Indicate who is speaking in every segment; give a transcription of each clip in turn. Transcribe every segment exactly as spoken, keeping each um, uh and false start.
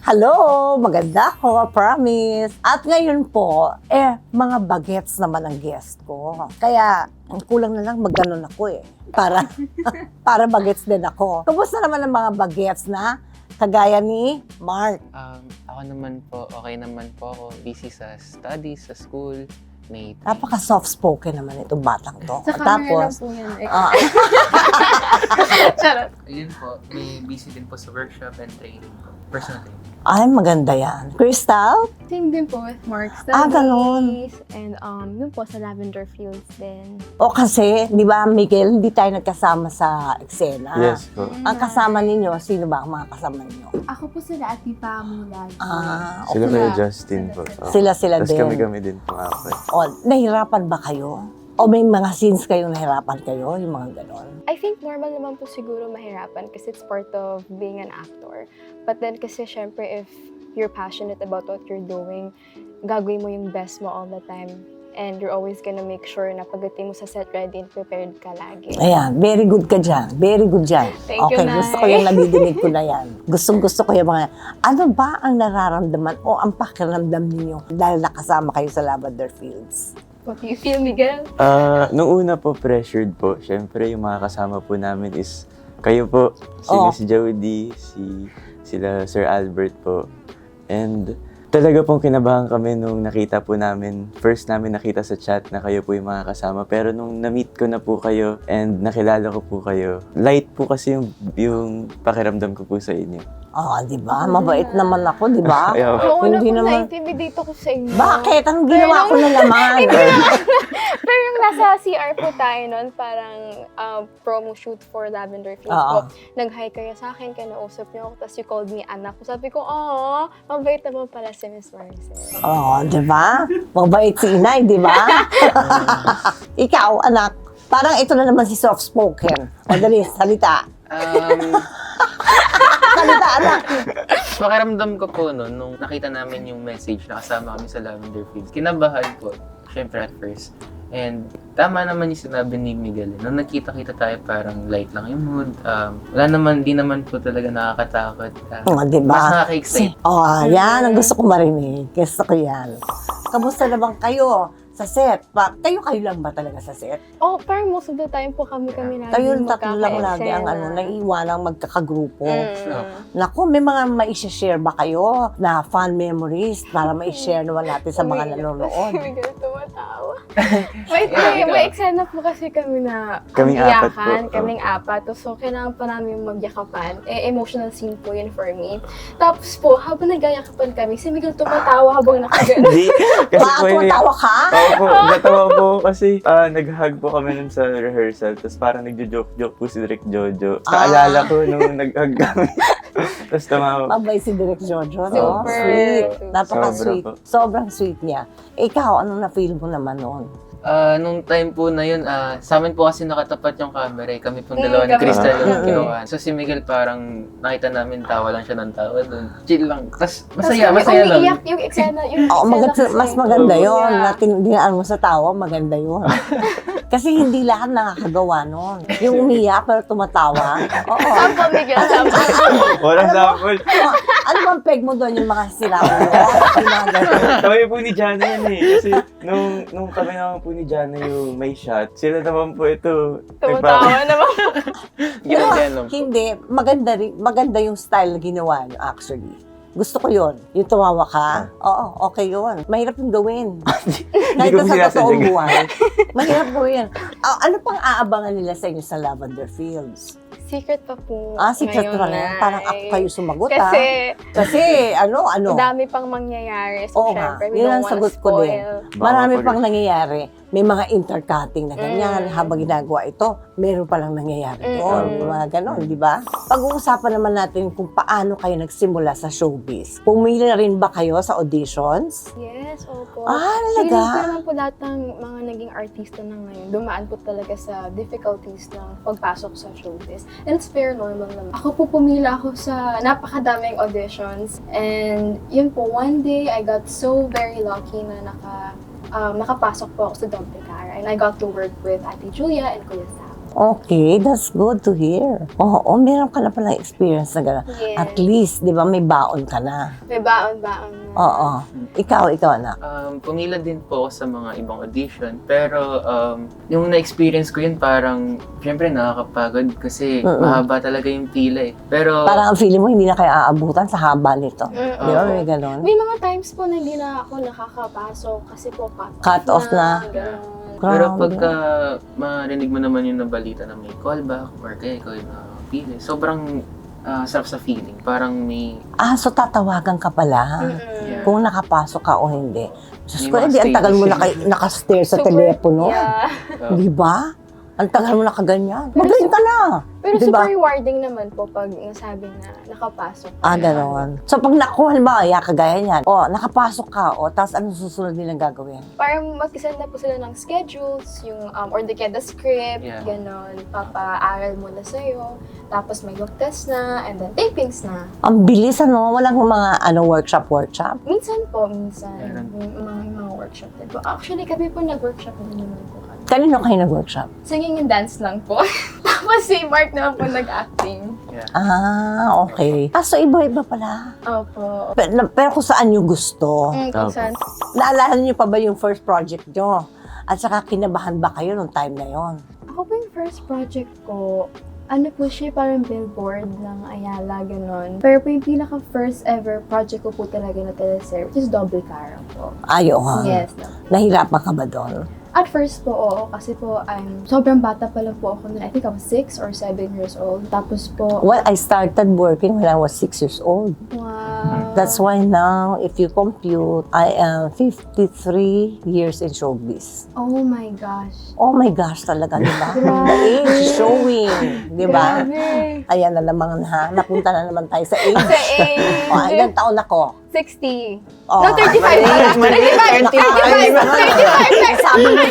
Speaker 1: Hello! Maganda ako, promise. At ngayon po, eh, mga bagets naman ang guest ko. Kaya, ang kulang na lang magganon ako eh. Para, para bagets din ako. Kumusta naman ang mga bagets na kagaya ni Mark?
Speaker 2: Um, ako naman po, okay naman po ako. Busy sa studies, sa school. May
Speaker 1: Napaka-soft-spoken naman itong batang to.
Speaker 3: Sa
Speaker 1: At
Speaker 3: camera
Speaker 1: tapos,
Speaker 3: lang po yan. Eh.
Speaker 1: ah,
Speaker 3: Charot.
Speaker 2: Ayun po, may busy din po sa workshop and training po. Personal training.
Speaker 1: ay, maganda yan. Crystal?
Speaker 3: Same din po with Mark
Speaker 1: Ah,
Speaker 3: Studies.
Speaker 1: ganun.
Speaker 3: And um, yun po sa Lavender Fields din.
Speaker 1: O kasi, di ba, Miguel, hindi tayo nagkasama sa eksena.
Speaker 4: Yes po.
Speaker 1: Ang kasama ninyo, sino ba ang mga kasama ninyo?
Speaker 5: Ako po sila at Tita Mulag.
Speaker 1: Ah,
Speaker 4: Sila
Speaker 1: okay.
Speaker 4: kay Justin po. Oh.
Speaker 1: Sila-sila
Speaker 4: Tapos
Speaker 1: din.
Speaker 4: kami-kami din po ako.
Speaker 1: O, nahirapan ba kayo? O may mga scenes kayong nahirapan kayo, yung mga ganon?
Speaker 3: I think normal naman po siguro mahirapan kasi it's part of being an actor. But then kasi syempre if you're passionate about what you're doing, gagawin mo yung best mo all the time. And you're always gonna make sure na pagdating mo sa set ready and prepared ka lagi.
Speaker 1: Ayan, very good ka dyan. Very good dyan.
Speaker 3: Thank you,
Speaker 1: Okay,
Speaker 3: Nay.
Speaker 1: gusto ko yung nadidinig ko na yan. Gustong gusto ko yung mga, ano ba ang nararamdaman o ang pakiramdam ninyo dahil nakasama kayo sa Lavender Fields?
Speaker 3: What do you feel, Miguel?
Speaker 4: Ah, nung una po, pressured po. Siyempre, yung mga kasama po namin is kayo po, si
Speaker 1: Oh.
Speaker 4: Miss Jody, si sila Sir Albert po. And talaga pong kinabahan kami nung nakita po namin, first namin nakita sa chat na kayo po yung mga kasama. Pero nung na-meet ko na po kayo and nakilala ko po kayo, light po kasi yung, yung pakiramdam ko po sa inyo.
Speaker 1: Oh, di ba? Mabait naman ako, di ba?
Speaker 4: Ayaw.
Speaker 3: Noong una
Speaker 1: Hindi
Speaker 3: po
Speaker 1: naman-
Speaker 3: na-intimidate ako sa inyo.
Speaker 1: Bakit? Anong ginawa ko na naman?
Speaker 3: Pero yung nasa C R po tayo noon, parang uh, promo shoot for Lavender Fields
Speaker 1: Oo.
Speaker 3: po. Nag-hi kayo sa akin, kinausap niyo ako, tapos you called me anak. Sabi ko, oh, mabait naman pala si Miss Maricel.
Speaker 1: Oh, di ba? Mabait si inay, di ba? Ikaw, anak, parang ito na naman si soft-spoken. Madali, salita.
Speaker 2: Um,
Speaker 1: Salita, anak.
Speaker 2: pakiramdam ko po noon, nung nakita namin yung message na kasama kami sa Lavender Fields, kinabahan po, syempre at first. And tama naman yung sinabi ni Miguel. Nung nagkita-kita tayo, parang light lang yung mood. Um, wala naman, di naman po talaga nakakatakot. Uh,
Speaker 1: Oh, di ba?
Speaker 2: Mas nakaka-excite.
Speaker 1: Oh, yan ang gusto ko marinig. Gusto ko yan. Kamusta naman kayo sa set? Pa, kayo kayo lang ba talaga sa set?
Speaker 3: Oh, parang most of the time po kami-kami lagi
Speaker 1: Kayo tatlo lang lagi ang
Speaker 3: magkaka-eksena.
Speaker 1: ano, naiiwanang magkakagrupo.
Speaker 3: Mm.
Speaker 1: Naku, may mga ma-share ba kayo na fun memories para ma-share naman natin sa mga
Speaker 3: Umiiyak
Speaker 1: nanonood?
Speaker 3: Si Miguel tumatawa. May,
Speaker 2: Yeah,
Speaker 3: may,
Speaker 2: ikaw.
Speaker 3: may eksena po kasi kami na
Speaker 4: Kaming apat po.
Speaker 3: iyakan, kaming apat. So, kailangan pa namin magyakapan. Eh, emotional scene po yun for me. Tapos po, habang nagyayakapan kami, si Miguel tumatawa habang nakagano.
Speaker 4: Hindi. Kasi
Speaker 1: Ba,
Speaker 4: po yun.
Speaker 1: tumatawa ka?
Speaker 4: Oo po, natawa po kasi ah, nag-hug po kami nun sa rehearsal. Tapos parang nagjo-joke-joke po si Direk Jojo. Kaalala ko nung nag-hug kami. Tapos tumawa.
Speaker 1: Mabay si Direk Jojo, no?
Speaker 3: Super.
Speaker 1: Sweet. Napaka-sweet.
Speaker 4: Sobra po.
Speaker 1: Sobrang sweet niya. Ikaw, anong na-feel mo naman noon?
Speaker 2: Ah, nung time po na yun, ah, sa amin po kasi nakatapat yung camera eh. Kami pong
Speaker 3: Mm,
Speaker 2: dalawa ni
Speaker 3: kami.
Speaker 2: Crystal yung
Speaker 1: Mm.
Speaker 2: kinuha. So si Miguel parang nakita namin tawa lang siya ng tawa doon. Chill lang. Tapos
Speaker 3: Tapos
Speaker 2: masaya,
Speaker 3: kami
Speaker 2: masaya lang.
Speaker 3: umiiyak yung eksena. Yung
Speaker 1: Oo,
Speaker 3: eksena
Speaker 1: maganda,
Speaker 3: kasi.
Speaker 1: mas maganda yon.
Speaker 3: Yeah.
Speaker 1: Natin, dinaan mo sa tawa, maganda yon. Kasi hindi lahat nakakagawa nun. Yung umiyak pero tumatawa. Oo.
Speaker 3: Sample, Miguel, sample.
Speaker 4: Walang sample.
Speaker 1: Oh, ano bang peg mo doon yung mga sila mo? Yung mga ganun.
Speaker 4: Kami po ni Jana yan eh. Kasi nung, nung kami naman po ni Jana yung may shot, sila naman po ito.
Speaker 3: Tumatawa naman.
Speaker 2: Ginagayan lang po.
Speaker 1: Hindi, maganda, rin, maganda yung style na ginawa nyo actually. Gusto ko yon. Yung tumawa ka, oo, okay yun. Mahirap yung gawin. Kahit
Speaker 4: ko
Speaker 1: sa
Speaker 4: sinasadya.
Speaker 1: totoong buhay. Mahirap gawin. Ah, ano pang aabangan nila sa inyo sa Lavender Fields?
Speaker 3: Secret pa po.
Speaker 1: Ah, secret
Speaker 3: ngayon,
Speaker 1: pa lang. Parang ako
Speaker 3: Nay.
Speaker 1: kayo sumagot ah.
Speaker 3: Kasi,
Speaker 1: Kasi ano, ano.
Speaker 3: dami pang mangyayari. So,
Speaker 1: Oo nga.
Speaker 3: syempre, we
Speaker 1: Yun
Speaker 3: don't
Speaker 1: ang
Speaker 3: wanna
Speaker 1: sagot ko din.
Speaker 3: spoil.
Speaker 1: Marami
Speaker 4: Baka
Speaker 1: pang nangyayari. May mga intercutting na ganyan.
Speaker 3: Mm.
Speaker 1: Habang ginagawa ito, meron palang nangyayari
Speaker 3: Mm.
Speaker 1: doon. Mga ganon, di ba? Pag-uusapan naman natin kung paano kayo nagsimula sa showbiz. Pumili rin ba kayo sa auditions?
Speaker 3: Yes, opo.
Speaker 1: Ah,
Speaker 3: Feeling
Speaker 1: talaga?
Speaker 3: ko naman po lahat ng mga naging artista na ngayon, dumaan po talaga sa difficulties ng pagpasok sa showbiz. And it's very normal naman. Ako po pumila ako sa napakadaming auditions. And yun po, one day, I got so very lucky na naka, um, nakapasok po ako sa Doble Cara. And I got to work with Ate Julia and Kuya Sam.
Speaker 1: Okay, that's good to hear. Oo, meron ka na palang experience na gano'n.
Speaker 3: Yes.
Speaker 1: At least, di ba, may baon ka na.
Speaker 3: May baon-baon na.
Speaker 1: Oo. Ikaw, ikaw anak.
Speaker 2: Um, pumila din po ako sa mga ibang audition, pero um, yung na-experience ko yun parang, syempre nakakapagod kasi
Speaker 1: Mm-mm.
Speaker 2: mahaba talaga yung pila eh. Pero,
Speaker 1: Parang ang feeling mo, hindi na kayo aabutan sa haba nito.
Speaker 3: Mm-mm.
Speaker 1: Di ba, may gano'n?
Speaker 3: May mga times po na hindi na ako nakakapasok kasi po cut,
Speaker 1: Cut off na.
Speaker 3: Ganon.
Speaker 2: pero
Speaker 1: Grabe.
Speaker 2: pagka marinig mo naman yung nabalita na may callback or kaya ikaw yung nakapili, sobrang ah, sarap sa feeling. Parang may,
Speaker 1: Ah, so tatawagan ka pala.
Speaker 3: Mm-mm.
Speaker 2: Yeah.
Speaker 1: Kung nakapasok ka o hindi. Diyos
Speaker 2: May
Speaker 1: ko,
Speaker 2: mga
Speaker 1: hindi, ang tagal mo
Speaker 2: stages.
Speaker 1: naka, nakastare sa
Speaker 3: Super-
Speaker 1: telepono.
Speaker 3: Yeah.
Speaker 2: uh,
Speaker 1: Di ba? Ang tagal mo nakaganyan. Magaling ka na.
Speaker 3: Pero
Speaker 1: Di ba?
Speaker 3: super rewarding naman po pag nasabi na nakapasok.
Speaker 1: Ah, gano'n. So, pag nakuha, halimbawa, ya, kagaya niyan, o, nakapasok ka, o, tapos anong susunod nilang gagawin?
Speaker 3: Parang mag-send na po sila ng schedules, yung, um, or the kaya the script,
Speaker 2: Yeah.
Speaker 3: ganon. Papaaral muna sa'yo, tapos may look test na, and then tapings na.
Speaker 1: Ang bilis, ano? Walang mga, ano, workshop, workshop?
Speaker 3: Minsan po, minsan,
Speaker 2: Meron.
Speaker 3: may mga, mga workshop din po. Actually, kami po nag-workshop din naman po kami.
Speaker 1: Kanino kayo nag-workshop?
Speaker 3: Singing and dance lang po. Tapos si Mark naman po nag-acting.
Speaker 2: yeah.
Speaker 1: Ah, okay. Ah, so iba-iba pala.
Speaker 3: Opo.
Speaker 1: Pero, pero kung saan nyo gusto.
Speaker 3: Mm, kung
Speaker 4: Opo.
Speaker 3: saan.
Speaker 1: Naalala niyo pa ba yung first project nyo? At saka kinabahan ba kayo nung time na yon?
Speaker 3: Ako po yung first project ko, ano po siya, parang billboard ng Ayala, ganon. Pero po yung pinaka-first ever project ko po talaga na teleserye, which is Double Cara po.
Speaker 1: Ayun.
Speaker 3: Yes.
Speaker 1: Nahirapan ka ba doon?
Speaker 3: At first po, oo, kasi po, I'm, sobrang bata pa lang po ako noon. I think I was six or seven years old. Tapos po,
Speaker 1: Well, I started working when I was six years old.
Speaker 3: wow.
Speaker 1: That's why now, if you compute, I am fifty-three years in showbiz.
Speaker 3: Oh my gosh.
Speaker 1: Oh my gosh, talaga, di ba?
Speaker 3: Grabe.
Speaker 1: The age is showing, di ba?
Speaker 3: Grabe.
Speaker 1: Ayan na naman ha, napunta na naman tayo sa age.
Speaker 3: Sa age.
Speaker 1: O, ilang taon ako?
Speaker 3: sixty.
Speaker 1: Oh,
Speaker 3: No, thirty-five pala. thirty-five. thirty-five.
Speaker 1: Sabi mo,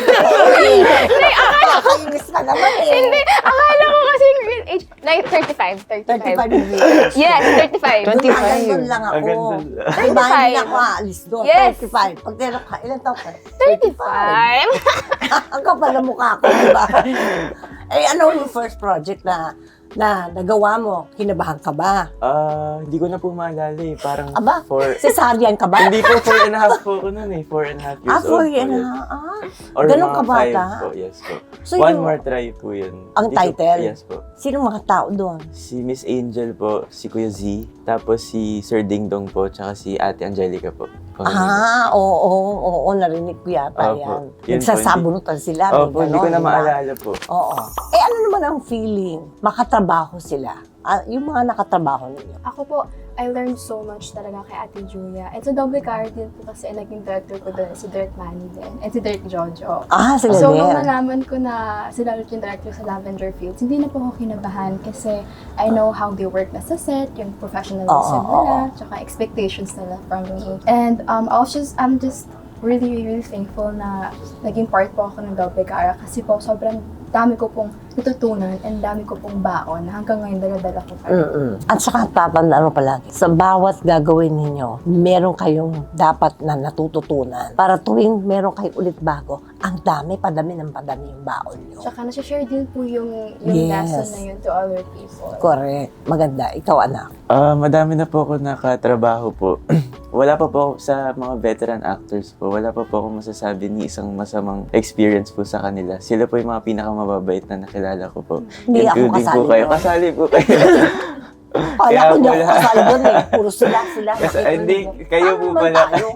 Speaker 1: nakakainis ka naman eh.
Speaker 3: Hindi, akala ko kasi yung real age, like thirty-five. thirty-five.
Speaker 1: thirty-five yung age.
Speaker 3: Yes, thirty-five.
Speaker 1: twenty-five. Doon lang ako.
Speaker 4: Ang ganda.
Speaker 1: Diba, hindi
Speaker 3: thirty-five.
Speaker 1: na ako aalis doon.
Speaker 3: Yes.
Speaker 1: thirty-five. Pag tinanong ka, ilang taon ka?
Speaker 3: thirty-five.
Speaker 1: Ang kapal na mukha ko, diba? Eh, ano yung first project na na nagawa mo? Kinabahan ka ba?
Speaker 4: Ah, hindi ko na po maalala eh. Parang
Speaker 1: Aba,
Speaker 4: four...
Speaker 1: cesarean ka ba?
Speaker 4: Hindi po, four and a half po ako nun eh. Four and a half years
Speaker 1: Ah, four
Speaker 4: old
Speaker 1: yan
Speaker 4: po.
Speaker 1: na. Ah,
Speaker 4: Or
Speaker 1: ganun
Speaker 4: mga
Speaker 1: ka bata?
Speaker 4: five po, yes po.
Speaker 1: So,
Speaker 4: One
Speaker 1: yung-
Speaker 4: more try po yun.
Speaker 1: Ang
Speaker 4: Hindi ko-
Speaker 1: title?
Speaker 4: Yes po.
Speaker 1: sino mga tao doon?
Speaker 4: Si Miss Angel po, si Kuya Z, tapos si Sir Ding Dong po, tsaka si Ate Angelica po.
Speaker 1: Ah, oo, oo, oo, narinig ko yata
Speaker 4: Opo.
Speaker 1: yan.
Speaker 4: Yun po,
Speaker 1: Nagsasabunutan sila. may
Speaker 4: Opo, hindi ko
Speaker 1: ganon,
Speaker 4: na
Speaker 1: di ba?
Speaker 4: maalala po.
Speaker 1: Oo. Eh, ano naman ang feeling? Makatrabaho sila. Ah, yung mga nakatrabaho ninyo.
Speaker 3: Ako po, I learned so much talaga kay Ate Julia. And sa Double Cara din po kasi naging director ko doon, si Direk Manny din, and si Direk Jojo.
Speaker 1: Ah, sila
Speaker 3: So,
Speaker 1: din.
Speaker 3: nung nalaman ko na sila ulit yung director sa Lavender Fields, hindi na po ako kinabahan kasi I know how they work na sa set, yung professionalism
Speaker 1: Oo, oo,
Speaker 3: nila, tsaka expectations nila from me. And um, I was just, I'm just really, really thankful na naging part po ako ng Double Cara kasi po sobrang dami ko pong natutunan and dami ko pong baon na hanggang ngayon dala-dala ko pa rin.
Speaker 1: Mm-mm. At saka tatandaan mo palagi, sa bawat gagawin ninyo, meron kayong dapat na natututunan. Para tuwing meron kayong ulit bago, ang dami, padami ng padami yung baon nyo.
Speaker 3: Tsaka nasi-share din po yung, yung
Speaker 1: Yes.
Speaker 3: lesson na yun to other people.
Speaker 1: Correct. Maganda. Ikaw, anak.
Speaker 4: Ah, madami na po ako nakatrabaho po. Wala pa po ako sa mga veteran actors po. Wala pa po ako masasabi ni isang masamang experience po sa kanila. Sila po yung mga pinakamababait na nakilala ko po.
Speaker 1: Hindi ako
Speaker 4: Including
Speaker 1: kasali
Speaker 4: po kayo.
Speaker 1: doon.
Speaker 4: Kasali po kayo.
Speaker 1: Kaya
Speaker 4: Kaya
Speaker 1: ko hindi ako
Speaker 4: wala.
Speaker 1: kasali doon eh. Puro sila, sila.
Speaker 4: Kasi,
Speaker 1: Nakita
Speaker 4: hindi,
Speaker 1: mo.
Speaker 4: kayo
Speaker 1: Ano
Speaker 4: po
Speaker 1: naman
Speaker 4: pala.
Speaker 1: tayo?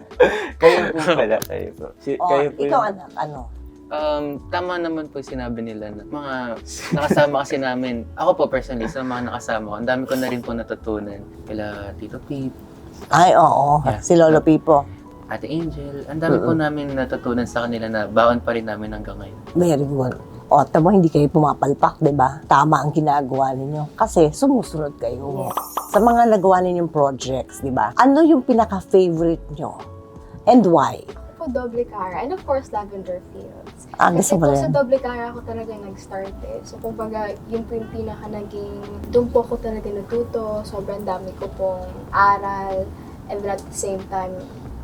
Speaker 4: kayo po pala. Kayo po. Si,
Speaker 1: Oh,
Speaker 4: kayo po
Speaker 1: ikaw,
Speaker 4: yung-
Speaker 1: anak, ano?
Speaker 2: Um, tama naman po yung sinabi nila na mga nakasama kasi namin. Ako po personally, sa mga nakasama ko, ang dami ko na rin po natutunan. Kila Tito Pete,
Speaker 1: Ay, oo.
Speaker 2: Yeah.
Speaker 1: Si Lolo Pipo.
Speaker 2: Ate Angel, ang dami po namin natutunan sa kanila na baon pa rin namin hanggang ngayon.
Speaker 1: Very good. O, tamo, hindi kayo pumapalpak, di ba? Tama ang ginagawa ninyo. Kasi sumusunod kayo. Sa mga nagawa ninyong projects, di ba? Ano yung pinaka-favorite nyo? And why?
Speaker 3: Po Double Cara, and of course, Lavender Fields.
Speaker 1: Ah,
Speaker 3: Kasi
Speaker 1: gusto mo
Speaker 3: po sa
Speaker 1: rin?
Speaker 3: Double Cara ako talaga nag-start eh. So, kumbaga, yun po yung pinaka naging, doon po ako talaga natuto, sobrang dami ko pong aral, and then at the same time,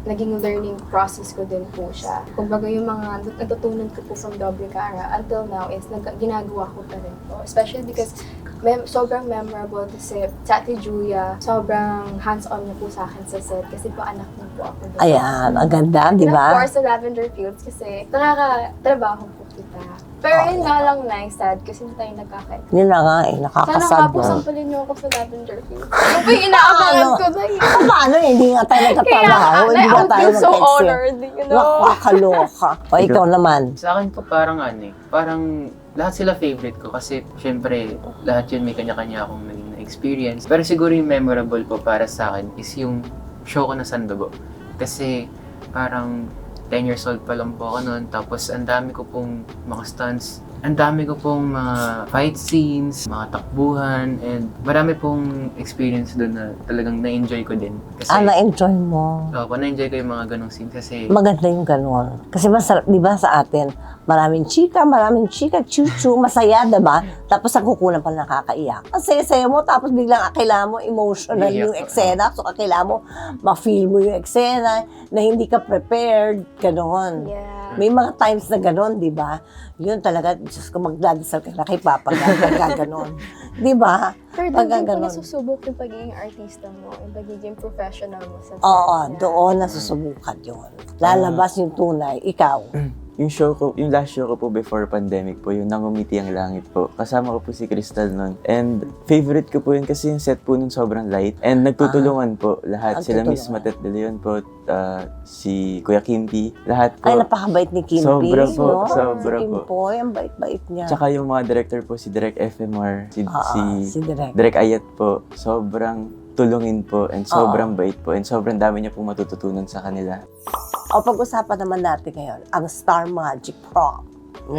Speaker 3: naging learning process ko din po siya. Kumbaga yung mga natutunan ko po from Doble Cara until now is nag- ginagawa ko pa rin po. Especially because mem- sobrang memorable kasi sa Ate Julia, sobrang hands-on niya po sa akin sa set kasi po anak niya po ako. Diba?
Speaker 1: Ayan, ang ganda, di
Speaker 3: And of
Speaker 1: ba?
Speaker 3: course, sa Lavender Fields kasi nakakatrabaho po kita. Pero
Speaker 1: Oh,
Speaker 3: yun nga lang nice, sad kasi hindi tayo nagkakait.
Speaker 1: Yun na nga eh,
Speaker 3: Sana
Speaker 1: nakakasad
Speaker 3: nga po
Speaker 1: na.
Speaker 3: sampalin niyo ako sa Lavender Fields. Ano po yung inaabangan
Speaker 1: Ano?
Speaker 3: ko na yun?
Speaker 1: Paano eh, hindi nga tayo
Speaker 3: Kaya
Speaker 1: nagkatrabaho, hindi
Speaker 3: I
Speaker 1: nga tayo
Speaker 3: feel so
Speaker 1: mag-exit.
Speaker 3: honored, you know?
Speaker 1: Nakakaloka. O ikaw naman.
Speaker 2: Sa akin po parang ano eh, parang lahat sila favorite ko kasi syempre lahat yun may kanya-kanya akong naging na-experience. Pero siguro yung memorable po para sa akin is yung show ko na Sandobo. Kasi parang ten years old pa lang po ako noon. Tapos ang dami ko pong mga stunts. Ang dami ko pong mga fight scenes, mga takbuhan, and marami pong experience doon na talagang na-enjoy ko din. Kasi,
Speaker 1: Ah, na-enjoy mo.
Speaker 2: Oo, na-enjoy ko yung mga ganong scenes kasi
Speaker 1: Maganda yung ganun. Kasi masarap, di ba sa atin, maraming chika, maraming chika, chuchu, masaya, diba? Tapos ang kukulang pa nakakaiyak. Ang saya-saya mo, tapos biglang kailangan mo emotional
Speaker 2: Iiyak
Speaker 1: yung
Speaker 2: ka.
Speaker 1: eksena. So kailangan mo ma-feel mo yung eksena na hindi ka prepared, gano'n.
Speaker 3: Yeah.
Speaker 1: May mga times na gano'n, di ba? Yun talaga, Diyos ko, magdadasal ka na kay Papa pagka gano'n. Di ba?
Speaker 3: Pero doon
Speaker 1: Pagka
Speaker 3: din po
Speaker 1: ganun.
Speaker 3: nasusubok yung pagiging artista mo, yung pagiging professional mo sa set.
Speaker 1: Oo,
Speaker 3: Yeah.
Speaker 1: doon nasusubukan yun. Lalabas yung tunay, ikaw.
Speaker 4: Yung show ko, yung last show ko po before pandemic po, yung Nangumiti ang Langit po. Kasama ko po si Crystal nun. And favorite ko po yun kasi yung set po nun sobrang light. And nagtutulungan po lahat. Sila Miss
Speaker 1: Nagtutulungan.
Speaker 4: Matet de Leon po, uh, si Kuya Kimpi, lahat po.
Speaker 1: Ay, napakabait ni Kimpi,
Speaker 4: Sobra po,
Speaker 1: no?
Speaker 4: sobra
Speaker 1: si
Speaker 4: po.
Speaker 1: Kimpoy, ang bait-bait niya.
Speaker 4: Tsaka yung mga director po, si Direk F M R, si,
Speaker 1: Oo,
Speaker 4: si
Speaker 1: si Direk.
Speaker 4: Direk Ayat po, sobrang tulungin po and sobrang
Speaker 1: Oo.
Speaker 4: bait po and sobrang dami niya po matututunan sa kanila.
Speaker 1: O pag-usapan naman natin ngayon, ang Star Magic Prom.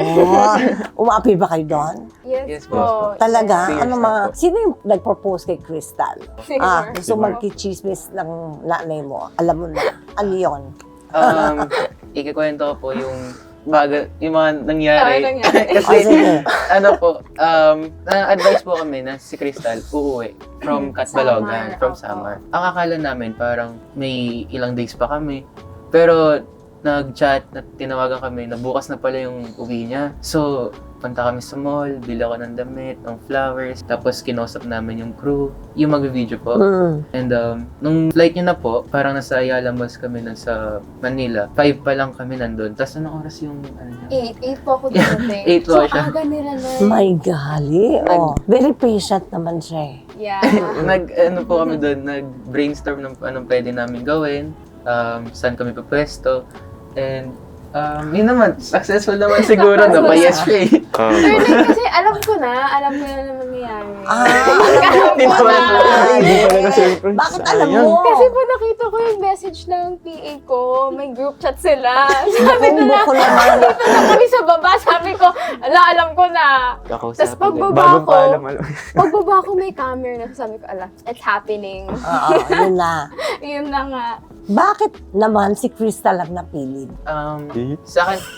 Speaker 1: Oh, umapi ba kayo doon?
Speaker 3: Yes,
Speaker 2: Yes
Speaker 3: po.
Speaker 2: po.
Speaker 1: Talaga?
Speaker 2: Yes,
Speaker 1: Ano
Speaker 2: yes,
Speaker 1: mga,
Speaker 2: po.
Speaker 1: sino yung nag-propose kay Crystal?
Speaker 3: Sure.
Speaker 1: Ah, gusto
Speaker 4: Sure.
Speaker 1: magkichismis ng nanay mo. Alam mo na. Ano yun?
Speaker 2: um, ikikwento ko po yung baga, yung mga nangyari.
Speaker 3: Ano nangyari?
Speaker 1: O
Speaker 2: Kasi
Speaker 1: sige.
Speaker 2: ano po, um, na-advise po kami na si Crystal uuwi from Catbalogan,
Speaker 3: Samar,
Speaker 2: from
Speaker 3: opo.
Speaker 2: Samar. Ang akala namin parang may ilang days pa kami. Pero nag-chat, na tinawagan kami na bukas na pala yung uwi niya. So, punta kami sa mall, bili ako ng damit, ng flowers, tapos kinausap namin yung crew, yung mag-video po.
Speaker 1: Mm.
Speaker 2: And um, nung flight niya na po, parang nasa Ayala Malls kami na sa Manila. Five pa lang kami nandun. Tapos anong oras yung ano niya?
Speaker 3: Eight. Eight po ako dumating.
Speaker 2: Eight
Speaker 3: so,
Speaker 2: po siya.
Speaker 3: aga nila na.
Speaker 1: My gali. Oh, very patient naman siya eh.
Speaker 3: Yeah.
Speaker 2: nag ano po kami doon, nag-brainstorm ng anong pwede namin gawin, um, saan kami papwesto, and um, yun naman, successful naman siguro na pa yes siya eh.
Speaker 3: Pero like, kasi alam ko na, alam ko na naman mangyayari.
Speaker 1: Ah,
Speaker 3: alam
Speaker 2: Hindi
Speaker 3: ko
Speaker 2: pa
Speaker 3: na.
Speaker 2: wala
Speaker 4: Hindi pala na-surprise.
Speaker 1: Bakit alam
Speaker 4: Sayang.
Speaker 1: mo?
Speaker 3: Kasi po nakita ko yung message ng P A ko, may group chat sila. Sabi
Speaker 1: Kung
Speaker 3: nila,
Speaker 1: buko naman.
Speaker 3: dito na kami sa baba, sabi ko, ala, alam ko na.
Speaker 2: Kakausapin
Speaker 3: Tas
Speaker 2: din.
Speaker 3: pagbaba
Speaker 4: Bagong
Speaker 3: ko,
Speaker 4: paalam, alam.
Speaker 3: pagbaba ko may camera na, sabi ko, ala, it's happening.
Speaker 1: Oo, yun na.
Speaker 3: Yun na nga.
Speaker 1: Bakit naman si Crystal ang napili?
Speaker 2: Um,
Speaker 4: Eh?
Speaker 2: sa akin,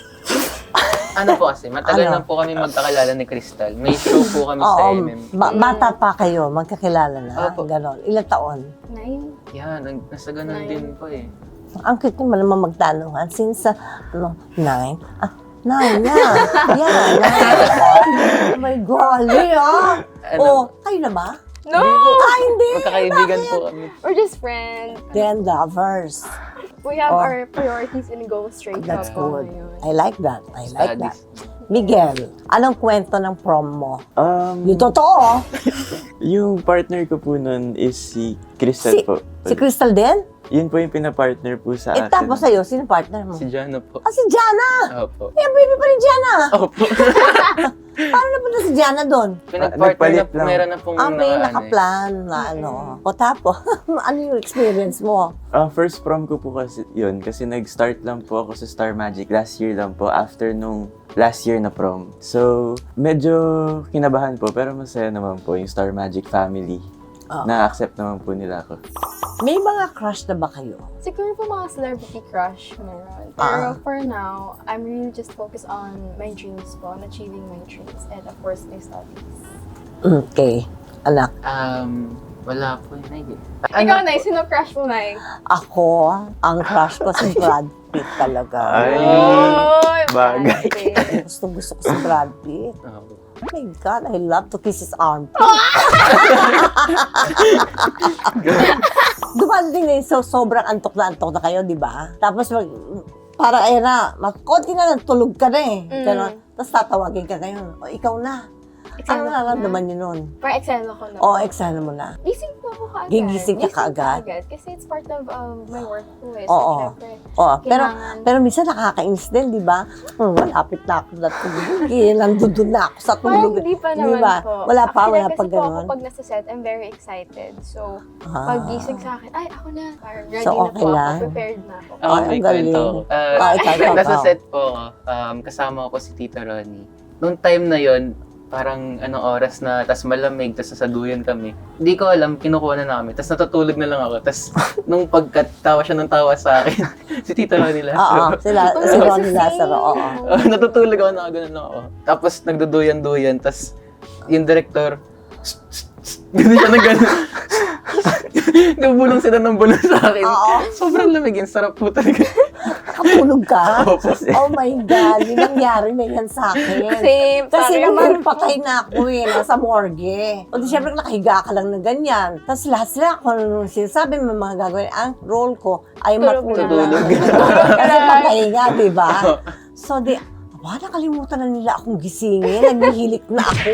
Speaker 2: ano po kasi, matagal
Speaker 1: Ano?
Speaker 2: na po kami magkakilala ni Crystal. May show po kami sa
Speaker 1: Oo,
Speaker 2: M M.
Speaker 1: ba- bata pa kayo, magkakilala na,
Speaker 2: Opo.
Speaker 1: ganon. Ilang taon?
Speaker 3: Nine.
Speaker 2: Yan, nag- nasa ganun
Speaker 3: Nine.
Speaker 2: din po eh.
Speaker 1: Ang cute naman naman magtanungan. Since, uh, ano, nine? Ah, nine, yeah. Yeah, nine. Oh my golly, ah.
Speaker 2: Ano?
Speaker 1: Oh, kayo na ba?
Speaker 3: No!
Speaker 1: Ah, hindi.
Speaker 2: Magkakaibigan po kami.
Speaker 3: We're just friends.
Speaker 1: Then lovers.
Speaker 3: We have
Speaker 1: Oh.
Speaker 3: our priorities and go straight
Speaker 1: That's
Speaker 3: up po
Speaker 1: good.
Speaker 3: ngayon.
Speaker 1: I like that. I like that.
Speaker 2: Studies.
Speaker 1: Miguel, anong kwento ng prom mo?
Speaker 4: Um,
Speaker 1: Yung totoo,
Speaker 4: yung partner ko po nun is si Crystal
Speaker 1: Si-
Speaker 4: po.
Speaker 1: si Crystal din?
Speaker 4: Yun po yung pinapartner po sa
Speaker 1: Eh,
Speaker 4: akin.
Speaker 1: tapos sa'yo, sino partner mo?
Speaker 2: Si Jana po.
Speaker 1: Ah, si Jana!
Speaker 2: Opo.
Speaker 1: Eh, baby pa rin Jana!
Speaker 2: Opo.
Speaker 1: Paano napunta si Jana doon?
Speaker 2: Pinag-partner na
Speaker 4: nagpalit
Speaker 2: po,
Speaker 4: lang.
Speaker 2: meron na pong
Speaker 1: Ah, may
Speaker 2: naka- ano eh.
Speaker 1: nakaplan na ano. O tapos, ano yung experience mo?
Speaker 4: Ah, first prom ko po kasi yun, kasi nag-start lang po ako sa Star Magic last year lang po, after nung last year na prom. So, medyo kinabahan po, pero masaya naman po yung Star Magic family.
Speaker 1: Ah.
Speaker 4: Na-accept naman po nila ako.
Speaker 1: May mga crush na ba kayo?
Speaker 3: Siguro po mga celebrity crush meron. Pero
Speaker 1: Ah.
Speaker 3: for now, I'm really just focused on my dreams po, on achieving my dreams, and of course, my studies.
Speaker 1: Okay, anak.
Speaker 2: Um, Wala po, Nay.
Speaker 3: Ikaw,
Speaker 2: Ano
Speaker 3: Nay,
Speaker 2: po?
Speaker 3: sino crush mo, Nay?
Speaker 1: Ako, ang crush ko si Brad Pitt talaga.
Speaker 4: Ay.
Speaker 3: Oy,
Speaker 4: bagay.
Speaker 3: Brad.
Speaker 1: Gusto gusto ko si Brad Pitt.
Speaker 2: Opo.
Speaker 1: Oh my God, I love to kiss his armpit. Dumating na yun, so sobrang antok na antok na kayo, di ba? Tapos mag, parang ayun na, mag, konti na lang, tulog ka na eh.
Speaker 3: Mm.
Speaker 1: Ganon. Tapos tatawagin ka ngayon, o ikaw na. Ano
Speaker 3: Eksena ko
Speaker 1: nararamdaman
Speaker 3: na.
Speaker 1: niyo nun?
Speaker 3: Parang eksena ko na.
Speaker 1: O, eksena mo na.
Speaker 3: Gising po ako kaagad.
Speaker 1: Gigising ka kaagad?
Speaker 3: Kasi it's part of um, my work po eh. So,
Speaker 1: Oo.
Speaker 3: syempre,
Speaker 1: O, pero,
Speaker 3: kailangan-
Speaker 1: pero minsan nakakainis din, di ba? Hmm, malapit na ako na tulog. Eh, nandun na ako sa
Speaker 3: parang
Speaker 1: tulog.
Speaker 3: hindi pa
Speaker 1: Di
Speaker 3: naman
Speaker 1: ba?
Speaker 3: po.
Speaker 1: Wala pa,
Speaker 3: Actually,
Speaker 1: wala
Speaker 3: kasi
Speaker 1: pa
Speaker 3: po ako
Speaker 1: ganon.
Speaker 3: pag nasa set, I'm very excited. So,
Speaker 1: Ah.
Speaker 3: pag gising sa akin, ay, ako na. Parang ready
Speaker 1: So,
Speaker 3: na
Speaker 1: okay
Speaker 3: po
Speaker 1: lang?
Speaker 3: ako. Prepared na ako.
Speaker 2: Ako,
Speaker 1: Ay,
Speaker 2: may
Speaker 1: ang
Speaker 2: kwento
Speaker 1: galing.
Speaker 2: ako. Ah,
Speaker 1: Ah, ikaw, ikaw,
Speaker 2: nasa
Speaker 1: ikaw.
Speaker 2: set po ako. Um, kasama ko po si Tito Ronnie. Noong time na yon parang anong oras na, tas malamig, tas sasaduyan kami. Hindi ko alam, kinukuha na namin. Tas natutulog na lang ako. Tas nung pagkatawa siya ng tawa sa akin, si Tito Ronnie
Speaker 1: Oo,
Speaker 2: Lazaro.
Speaker 1: sila, si Ronnie Lazaro, oo.
Speaker 2: Oh, natutulog ako, nakaganon lang ako. Tapos nagduduyan-duyan, tas yung director, gano'n siya na gano'n. Nabulong sila ng bulong sa akin.
Speaker 1: Oo.
Speaker 2: Sobrang lamig, yung sarap po talaga.
Speaker 1: Nakatulog ka?
Speaker 2: Opo.
Speaker 1: Oh my God, yung nangyari na yan sa akin.
Speaker 3: Same.
Speaker 1: Kasi
Speaker 3: sorry.
Speaker 1: naman, patay na ako eh, nasa morgue. O di syempre, nakahiga ka lang na ganyan. Tapos lahat sila, kung anong sinasabi mo mga gagawin, ang role ko ay
Speaker 3: Tulog
Speaker 1: matulog
Speaker 3: na.
Speaker 1: lang. Kasi patay nga, di ba? So di, aba, nakalimutan na nila akong gisingin. Naghihilik na ako.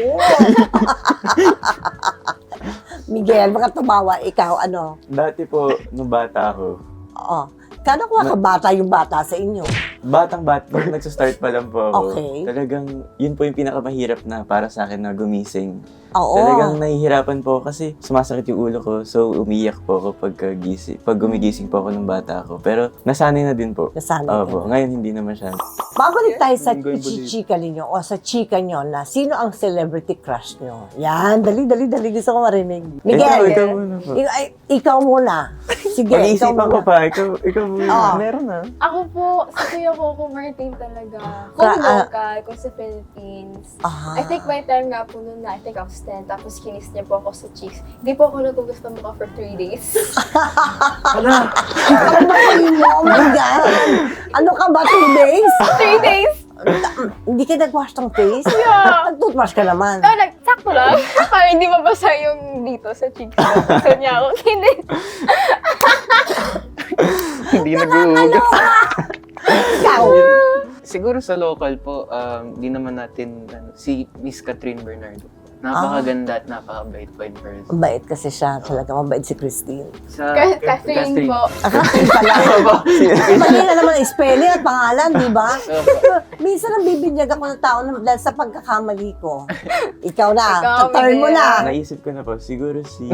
Speaker 1: Miguel, baka tumawa ikaw, ano?
Speaker 4: Dati po, nung bata ako,
Speaker 1: Oo. Kano ko kabata yung bata sa inyo?
Speaker 4: batang bata, nung nagsa-start pa lang po ako,
Speaker 1: Okay.
Speaker 4: talagang yun po yung pinakamahirap na para sa akin na gumising.
Speaker 1: Oo.
Speaker 4: Talagang nahihirapan po ako kasi sumasakit yung ulo ko, so umiyak po ako pag, gising, pag gumigising po ako ng bata ako. Pero nasanay na din po.
Speaker 1: Nasanay ka
Speaker 4: Opo, ngayon hindi na masyado.
Speaker 1: Babalik tayo sa
Speaker 4: Linggo yung bulit.
Speaker 1: chika ninyo o sa chika nyo na sino ang celebrity crush nyo. Yan, dali, dali, dali. Gusto ko marinig. Miguel,
Speaker 4: Ikaw, ikaw muna po.
Speaker 1: ik- ay, ikaw muna. Sige, ikaw
Speaker 4: Pag-iisipan ko
Speaker 1: muna.
Speaker 4: pa, ikaw, ikaw muna.
Speaker 1: Oo.
Speaker 2: Meron na.
Speaker 3: Ako po, si Kuya Coco Martin talaga. Kung
Speaker 1: Ka- ah.
Speaker 3: local, kung sa Philippines.
Speaker 1: Ah.
Speaker 3: I think by time nga po noon na, I think I was ten, tapos kinis niya po ako sa cheeks. Hindi po ako nagugusto mukha for three days.
Speaker 1: Ano ba yun mo? Oh my God. Ano ka ba, two days?
Speaker 3: three days?
Speaker 1: Hindi ka nag-wash ng face?
Speaker 3: Yeah.
Speaker 1: Nag-toothwash ka naman.
Speaker 3: So, nagsakto lang. Para hindi mabasa yung dito sa cheeks. Gusto niya ako kinis.
Speaker 2: Hindi nag-uugas.
Speaker 1: Ikaw.
Speaker 2: Siguro sa local po, um, di naman natin, ano, si Miss Catherine Bernardo. Napakaganda at napakabait po in person.
Speaker 1: Mabait kasi siya. Talaga mabait si Christine.
Speaker 2: Sa
Speaker 3: Ka- Catherine po.
Speaker 1: Ah, Christine pala. Mali na naman ang spelling at pangalan, di ba? Minsan ang bibinyag ako ng tao na- dahil sa pagkakamali ko. Ikaw na.
Speaker 3: Ikaw,
Speaker 1: Turn mo
Speaker 3: Miguel.
Speaker 1: na.
Speaker 4: Naisip ko na po, siguro si...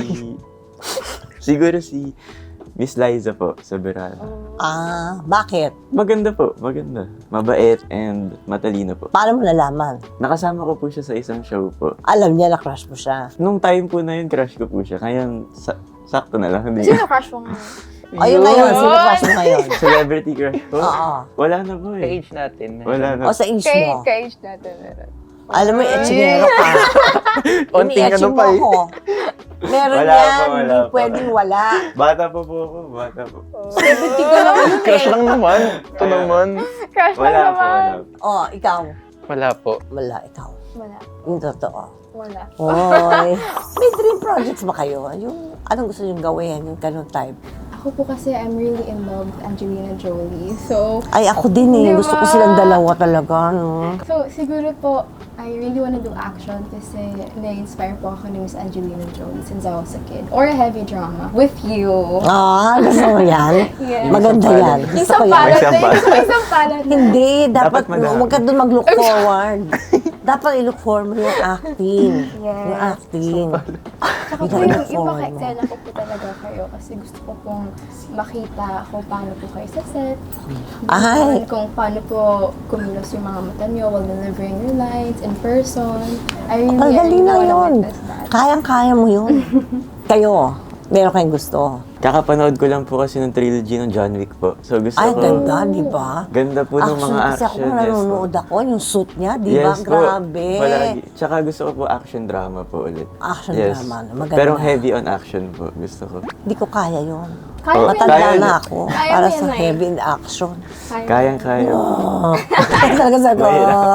Speaker 4: siguro si Miss Liza po, sa Berala.
Speaker 1: Ah, bakit?
Speaker 4: Maganda po, maganda. Mabait and matalino po.
Speaker 1: Paano mo nalaman?
Speaker 4: Nakasama ko po siya sa isang show po.
Speaker 1: Alam niya na crush mo siya.
Speaker 4: Nung time po na yun, crush ko po siya. Ngayon, sa- sakto na lang. Hindi.
Speaker 3: Sino crush mo ngayon?
Speaker 1: Ayun ngayon, sino crush mo ngayon?
Speaker 4: Celebrity crush po?
Speaker 1: Oo.
Speaker 4: Wala na po
Speaker 2: Sa
Speaker 4: eh.
Speaker 2: age natin.
Speaker 4: Wala na.
Speaker 1: O sa age
Speaker 3: Kay,
Speaker 1: mo.
Speaker 3: kay age natin meron.
Speaker 1: Alam mo, etchingero ka.
Speaker 2: Onting ano
Speaker 1: Ini-etching
Speaker 2: pa
Speaker 1: mo
Speaker 2: eh.
Speaker 1: ako. Meron
Speaker 4: Wala
Speaker 1: yan,
Speaker 4: pa, wala
Speaker 1: hindi
Speaker 4: pa.
Speaker 1: pwedeng wala.
Speaker 4: Bata pa po ako, bata po.
Speaker 1: Seventy ka naman yun
Speaker 2: Crush
Speaker 1: eh.
Speaker 2: lang naman. Ito
Speaker 4: Wala.
Speaker 2: naman.
Speaker 3: Crush lang
Speaker 4: Wala po,
Speaker 3: naman.
Speaker 4: wala po.
Speaker 1: Oh, ikaw.
Speaker 2: Wala po.
Speaker 1: Wala, ikaw.
Speaker 3: Wala.
Speaker 1: Yung totoo.
Speaker 3: Wala.
Speaker 1: Oy. May dream projects ba kayo? Yung, anong gusto nyo gawin? Yung ganun type?
Speaker 3: Ako po kasi I'm really in love with Angelina Jolie. So,
Speaker 1: Ay, ako din eh.
Speaker 3: Di
Speaker 1: Gusto ko
Speaker 3: ba?
Speaker 1: silang dalawa talaga, no?
Speaker 3: so siguro po, I really wanna do action kasi na-inspire po ako ni Miss Angelina Jolie since I was a kid. Or a heavy drama with you.
Speaker 1: Ah, gusto mo yan?
Speaker 3: Yes.
Speaker 1: Maganda
Speaker 4: Isang
Speaker 1: yan.
Speaker 3: Yung
Speaker 1: Gusto ko yan.
Speaker 3: sampalat
Speaker 4: Isang
Speaker 3: na,
Speaker 4: palad.
Speaker 3: yung isang palad na.
Speaker 1: Hindi, dapat,
Speaker 4: Dapat madami.
Speaker 1: huwag ka doon mag-look forward. Dapat i-look forward mo yung acting.
Speaker 3: Yes.
Speaker 1: Yung acting.
Speaker 3: Saka po
Speaker 1: Yung
Speaker 3: yung,
Speaker 1: look
Speaker 3: yung
Speaker 1: forward mo.
Speaker 3: paka-excel ko po talaga kayo kasi gusto ko pong makita kung paano po kayo sa set.
Speaker 1: Ay.
Speaker 3: Kung paano po kumilos yung mga mata nyo while delivering your lines in person. I really,
Speaker 1: Ang
Speaker 3: I
Speaker 1: galing
Speaker 3: really
Speaker 1: na
Speaker 3: wanna
Speaker 1: yun.
Speaker 3: witness that.
Speaker 1: Kayang-kaya mo yun. Kayo, meron kayong gusto.
Speaker 4: Kakapanood ko lang po kasi ng trilogy ng John Wick po. So gusto
Speaker 1: Ay,
Speaker 4: ko...
Speaker 1: ganda, di ba?
Speaker 4: Ganda po ng
Speaker 1: Action,
Speaker 4: mga
Speaker 1: kasi ako
Speaker 4: action.
Speaker 1: nanonood ako, yung suit niya, di ba?
Speaker 4: Yes po.
Speaker 1: Grabe.
Speaker 4: Palagi. Tsaka gusto ko po action drama po ulit.
Speaker 1: Action
Speaker 4: Yes.
Speaker 1: drama, maganda.
Speaker 4: Pero heavy on action po. Gusto ko.
Speaker 1: Hindi ko kaya yun.
Speaker 3: Kaya
Speaker 4: Oh,
Speaker 3: mo
Speaker 1: Matanda
Speaker 4: kaya
Speaker 1: na
Speaker 4: niya.
Speaker 1: ako
Speaker 3: Kaya
Speaker 1: para
Speaker 3: mo
Speaker 1: sa
Speaker 3: yan, Nay.
Speaker 1: heavy in action.
Speaker 4: Kayang-kaya.
Speaker 1: Oh. Talaga sa ko.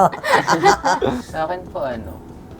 Speaker 2: Sa akin po ano,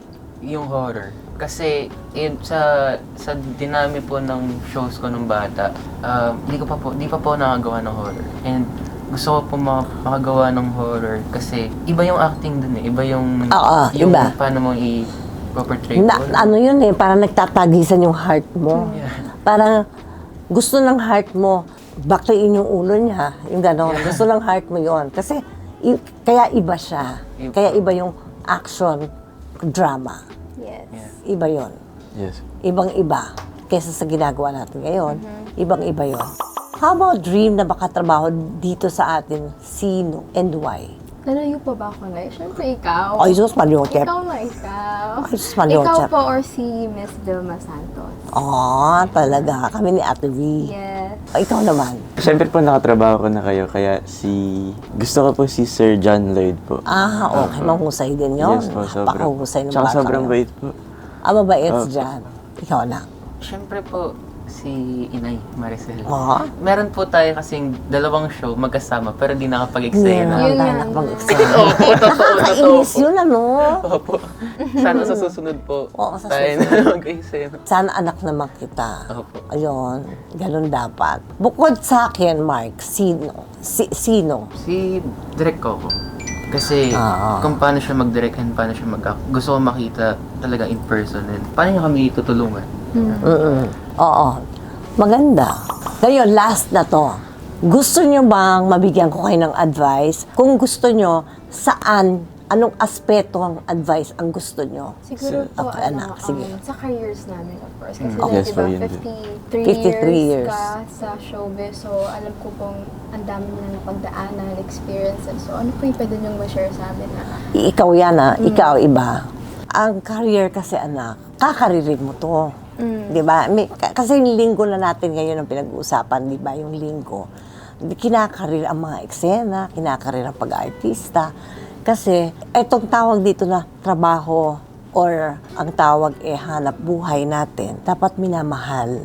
Speaker 2: yung horror. Kasi yun, sa sa dinami po ng shows ko nung bata, ah, hindi ko pa po, hindi pa po nakagawa ng horror. And gusto ko po ma- makagawa ng horror kasi iba yung acting dun eh. Iba yung,
Speaker 1: Oo,
Speaker 2: yung
Speaker 1: iba.
Speaker 2: paano mo i-portray
Speaker 1: Na,
Speaker 2: ko.
Speaker 1: ano yun eh, parang nagtatagisan yung heart mo.
Speaker 2: Yeah.
Speaker 1: Parang gusto ng heart mo, bakliin yung ulo niya, yung gano'n. Gusto ng heart mo yon. Kasi i- kaya iba siya.
Speaker 2: Iba.
Speaker 1: Kaya iba yung action drama.
Speaker 3: Yes.
Speaker 2: Yeah.
Speaker 1: Iba yon.
Speaker 4: Yes.
Speaker 1: Ibang-iba. Kesa sa ginagawa natin ngayon, ibang-iba yon. How about dream na makatrabaho dito sa atin? Sino and why?
Speaker 3: Lalayo pa ba ako, Nay? Siyempre, ikaw.
Speaker 1: Ay, Diyos, Mariotep.
Speaker 3: Ikaw na, ikaw.
Speaker 1: Ay, Diyos, Mariotep.
Speaker 3: Ikaw po or si Miss Vilma Santos?
Speaker 1: Oo, talaga. Kami ni Ate V.
Speaker 3: Yes.
Speaker 1: Ikaw naman.
Speaker 4: Siyempre po nakatrabaho ko na kayo, kaya si... Gusto ko po si Sir John Lloyd po.
Speaker 1: Ah, okay. Mahusay din yun.
Speaker 4: Yes po, sobrang.
Speaker 1: Napakahusay ng
Speaker 4: Tsaka
Speaker 1: bata
Speaker 4: sobrang
Speaker 1: yun.
Speaker 4: bait po.
Speaker 1: Ah, mabait
Speaker 4: Oh.
Speaker 1: dyan. Ikaw na.
Speaker 2: Siyempre po, si Inay Maricel.
Speaker 1: Oo.
Speaker 2: Meron po tayo kasing dalawang show magkasama pero di nakapag-eksena.
Speaker 1: Yeah,
Speaker 3: Yun
Speaker 1: tayo
Speaker 3: nga.
Speaker 1: nakapag-exam.
Speaker 2: Opo, totoo, totoo
Speaker 1: Kainis
Speaker 2: po.
Speaker 1: yun, ano?
Speaker 2: Opo. Sana sa susunod po,
Speaker 1: Oo, sa
Speaker 2: tayo
Speaker 1: susunod.
Speaker 2: na mag-eksena.
Speaker 1: Sana anak naman kita.
Speaker 2: Opo.
Speaker 1: Ayun, ganun dapat. Bukod sa akin, Mark, sino? Si, sino?
Speaker 2: Si Direk Coco. Kasi
Speaker 1: Ah.
Speaker 2: kung paano siya mag-direct and paano siya mag-act, gusto ko makita talaga in person. And paano niya kami tutulungan?
Speaker 1: Mm-mm. Oo. Maganda. Ngayon, last na to. Gusto nyo bang mabigyan ko kayo ng advice? Kung gusto nyo, saan, anong aspeto ang advice ang gusto nyo?
Speaker 3: Siguro
Speaker 1: Si-
Speaker 3: po,
Speaker 1: okay,
Speaker 3: ano,
Speaker 1: anak, sige.
Speaker 3: um, sa careers namin, of course. Kasi
Speaker 4: Mm.
Speaker 3: mm.
Speaker 4: Yes,
Speaker 3: di
Speaker 4: po,
Speaker 3: ba,
Speaker 4: yun din.
Speaker 3: fifty-three,
Speaker 1: fifty-three
Speaker 3: years,
Speaker 1: years.
Speaker 3: ka sa showbiz. So, alam ko pong ang dami na napagdaanan, experiences. So, ano po yung pwede niyong ma-share sa amin na
Speaker 1: Ikaw yan ah, ikaw iba. Ang career kasi anak, kakaririn mo to.
Speaker 3: Mm.
Speaker 1: Di ba? May- ka- Kasi yung linggo na natin ngayon ang pinag-uusapan, di ba? Yung linggo. Kinakarir ang mga eksena, kinakarir ang pag-artista. Kasi etong tawag dito na trabaho or ang tawag eh hanap buhay natin, dapat minamahal,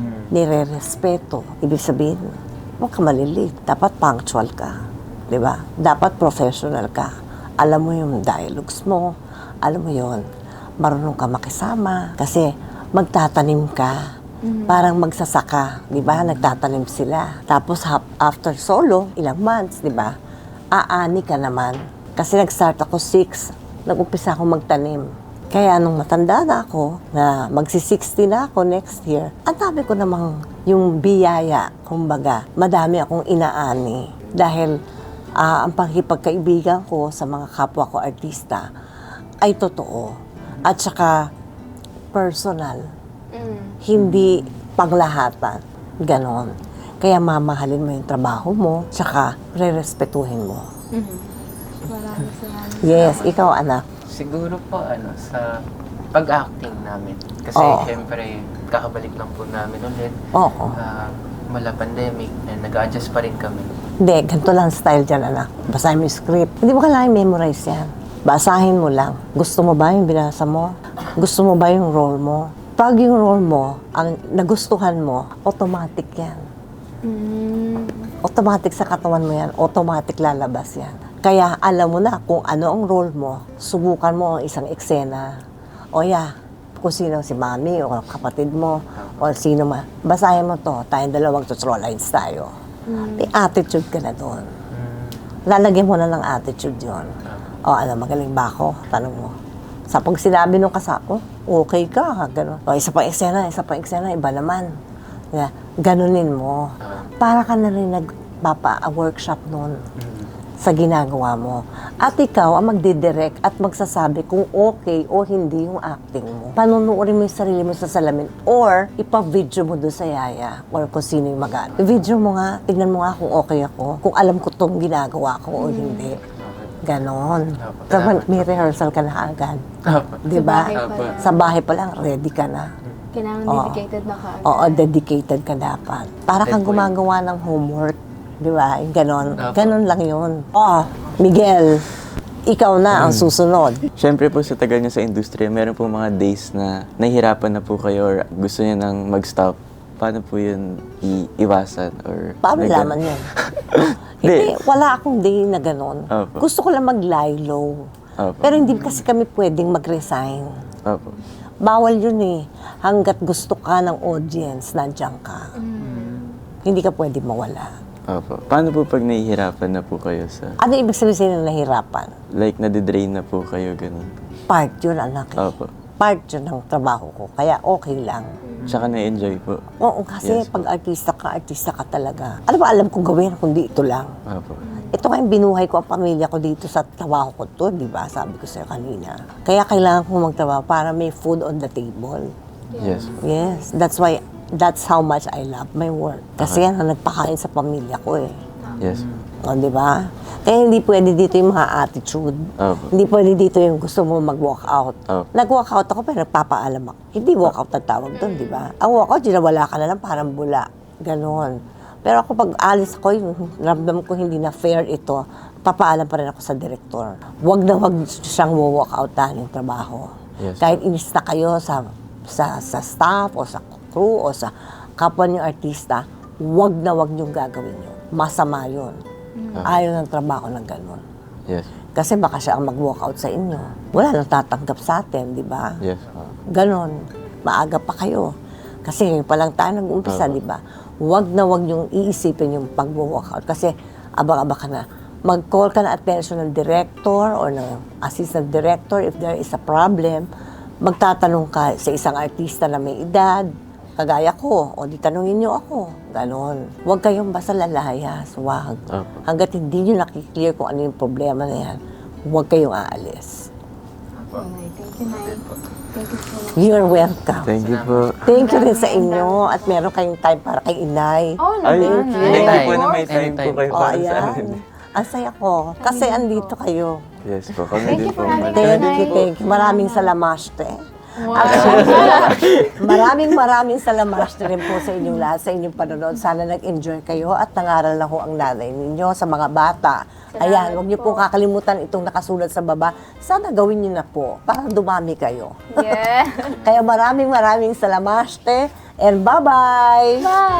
Speaker 1: nire-respeto. Ibig sabihin, huwag ka malilit. Dapat punctual ka. Di ba? Dapat professional ka. Alam mo yung dialogues mo. Alam mo yon, marunong ka makisama. Kasi magtatanim ka. Parang magsasaka. Di ba? Nagtatanim sila. Tapos hap- after solo, ilang months, di ba? Aani ka naman. Kasi nag-start ako six. Nag-umpisa ako magtanim. Kaya nung matanda na ako, na magsi-sixty na ako next year, ang dami ko namang yung biyaya, kumbaga, madami akong inaani. Dahil ah, ang pakikipagkaibigan ko sa mga kapwa ko artista ay totoo. At saka personal.
Speaker 3: Mm.
Speaker 1: Hindi panglahatan. Ganon. Kaya mamahalin mo yung trabaho mo, tsaka re-respetuhin mo.
Speaker 3: Maraming salamat.
Speaker 1: Yes, ikaw anak.
Speaker 2: Siguro po ano, sa pag-acting namin. Kasi
Speaker 1: Oo.
Speaker 2: syempre, kakabalik lang po namin ulit.
Speaker 1: Oo.
Speaker 2: Uh, mala pandemic and nag-adjust pa rin kami.
Speaker 1: Hindi, ganito lang style dyan, anak. Basahin mo yung script. Hindi mo kailangan memorize yan. Basahin mo lang. Gusto mo ba yung binasa mo? Gusto mo ba yung role mo? Pag yung role mo, ang nagustuhan mo, automatic yan.
Speaker 3: Mm.
Speaker 1: Automatic sa katawan mo yan. Automatic lalabas yan. Kaya alam mo na kung ano ang role mo. Subukan mo ang isang eksena. O yeah, kung sino si mami o kapatid mo o sino man. Basahin mo to. Tayong dalawang tutorial lines tayo. May attitude ka na doon. Lalagyan mo na ng attitude yon. O ano, magaling ba ako? Tanong mo. Sa pag sinabi nung kasako, okay ka, gano'n. O isa pang eksena, isa pang eksena, iba naman. Yeah, ganunin mo. Para ka na rin nagpapa-workshop noon sa ginagawa mo. At ikaw ang magdidirect at magsasabi kung okay o hindi yung acting mo. Panunuorin mo yung sarili mo sa salamin or ipa-video mo doon sa yaya or kung sino yung mag I-video mo nga, tignan mo nga kung okay ako, kung alam ko itong ginagawa ko o hindi. Ganon. Kapag may rehearsal ka na agad.
Speaker 2: Opo.
Speaker 1: Di ba?
Speaker 3: Sa bahay pa lang.
Speaker 1: Sa bahay pa lang, ready ka na.
Speaker 3: Kailangan
Speaker 1: Oo.
Speaker 3: dedicated na ka.
Speaker 1: Oo, dedicated ka dapat. Para kang
Speaker 2: Good point.
Speaker 1: gumagawa ng homework. Di ba? Yung Ganon.
Speaker 2: Apo.
Speaker 1: Ganon lang yun. Oh, Miguel, ikaw na ang susunod.
Speaker 4: Siyempre po sa tagal niyo sa industriya, meron po mga days na nahihirapan na po kayo or gusto niyo nang mag-stop. Paano po yun iiwasan? Or
Speaker 1: Paano
Speaker 4: may
Speaker 1: laman
Speaker 4: gan-
Speaker 1: yun? Hindi, wala akong day na ganon.
Speaker 4: Opo.
Speaker 1: Gusto ko lang mag-lie low.
Speaker 4: Opo.
Speaker 1: Pero hindi kasi kami pwedeng mag-resign.
Speaker 4: Opo.
Speaker 1: Bawal yun eh. Hanggat gusto ka ng audience, nandiyan ka. Hindi ka pwede mawala.
Speaker 4: Opo. Paano po pag nahihirapan na po kayo sa,
Speaker 1: Ano ibig sabihin ng nahirapan?
Speaker 4: like, nadidrain na po kayo, ganun?
Speaker 1: Part yun, anak. eh.
Speaker 4: Opo.
Speaker 1: Part yun ng trabaho ko. Kaya okay lang.
Speaker 4: Tsaka na-enjoy po.
Speaker 1: Oo, kasi
Speaker 4: Yes,
Speaker 1: pag artista ka, artista ka talaga. Ano ba alam kong gawin kundi ito lang?
Speaker 4: Opo.
Speaker 1: Ito nga yung binuhay ko ang pamilya ko dito sa trabaho ko to, di ba? Sabi ko sa'yo kanina. Kaya kailangan kong magtrabaho para may food on the table.
Speaker 4: Yes.
Speaker 1: Yes, that's why, that's how much I love my work. Kasi yan ang nagpakain sa pamilya ko eh.
Speaker 4: Yes.
Speaker 1: O, di ba? Kaya hindi pwede dito yung mga attitude.
Speaker 4: Opo.
Speaker 1: Hindi pwede dito yung gusto mo mag-walk out.
Speaker 4: Opo.
Speaker 1: Nag-walk out ako pero nagpapaalam ako. Hindi walk out ang tawag doon, di ba? Ang walk out, wala ka na lang, parang bula. Ganon. Pero ako pag alis ako, yung ramdam ko hindi na fair ito, papaalam pa rin ako sa direktor. Huwag na huwag siyang walk out yung trabaho.
Speaker 4: Yes.
Speaker 1: Kahit inis na kayo sa, sa, sa staff o sa crew o sa kapwa niyong artista, huwag na huwag niyong gagawin yun. Masama yun. Ayaw ng trabaho ng ganon.
Speaker 4: Yes.
Speaker 1: Kasi baka siya ang mag-walk out sa inyo. Wala nang tatanggap sa atin, di ba?
Speaker 4: Yes.
Speaker 1: Ganon. Maaga pa kayo. Kasi ngayon pa lang tayo nag-umpisa,
Speaker 4: Opo.
Speaker 1: di ba? Huwag na huwag yung iisipin yung pag-walk out. Kasi abang-aba ka na. Mag-call ka na attention ng director or ng assistant director if there is a problem. Magtatanong ka sa isang artista na may edad, kagaya ko, o di tanungin niyo ako. Ganon. Huwag kayong basta lalayas. Huwag.
Speaker 4: Opo.
Speaker 1: Hanggat hindi niyo nakiklear kung ano yung problema na yan, huwag kayong aalis.
Speaker 5: Nay, thank you, Nay. Thank you so much.
Speaker 1: You're welcome.
Speaker 4: Thank you po.
Speaker 1: Thank you rin sa inyo at meron kayong time para kay inay.
Speaker 5: Oh,
Speaker 4: Ay,
Speaker 5: naman,
Speaker 1: thank you.
Speaker 5: Nay.
Speaker 4: thank you po
Speaker 2: Anytime.
Speaker 4: na may time po
Speaker 2: Anytime.
Speaker 4: kayo
Speaker 1: O,
Speaker 4: para sa
Speaker 1: ayan.
Speaker 4: amin.
Speaker 1: Ang saya ko. Kasi andito kayo.
Speaker 4: Yes po, kami
Speaker 5: Thank
Speaker 4: din
Speaker 5: you
Speaker 4: po.
Speaker 5: for having
Speaker 1: Thank
Speaker 5: Nay.
Speaker 1: you, thank you. Maraming salamaste.
Speaker 5: Wow.
Speaker 1: Maraming maraming salamaste rin po sa inyong lahat, sa inyong panonood. Sana nag-enjoy kayo at nangaral na ho ang nanay ninyo sa mga bata. Ayan, huwag niyo po kakalimutan itong nakasulat sa baba. Sana gawin niyo na po para dumami kayo.
Speaker 3: Yeah.
Speaker 1: Kaya maraming maraming salamaste and bye-bye!
Speaker 5: Bye!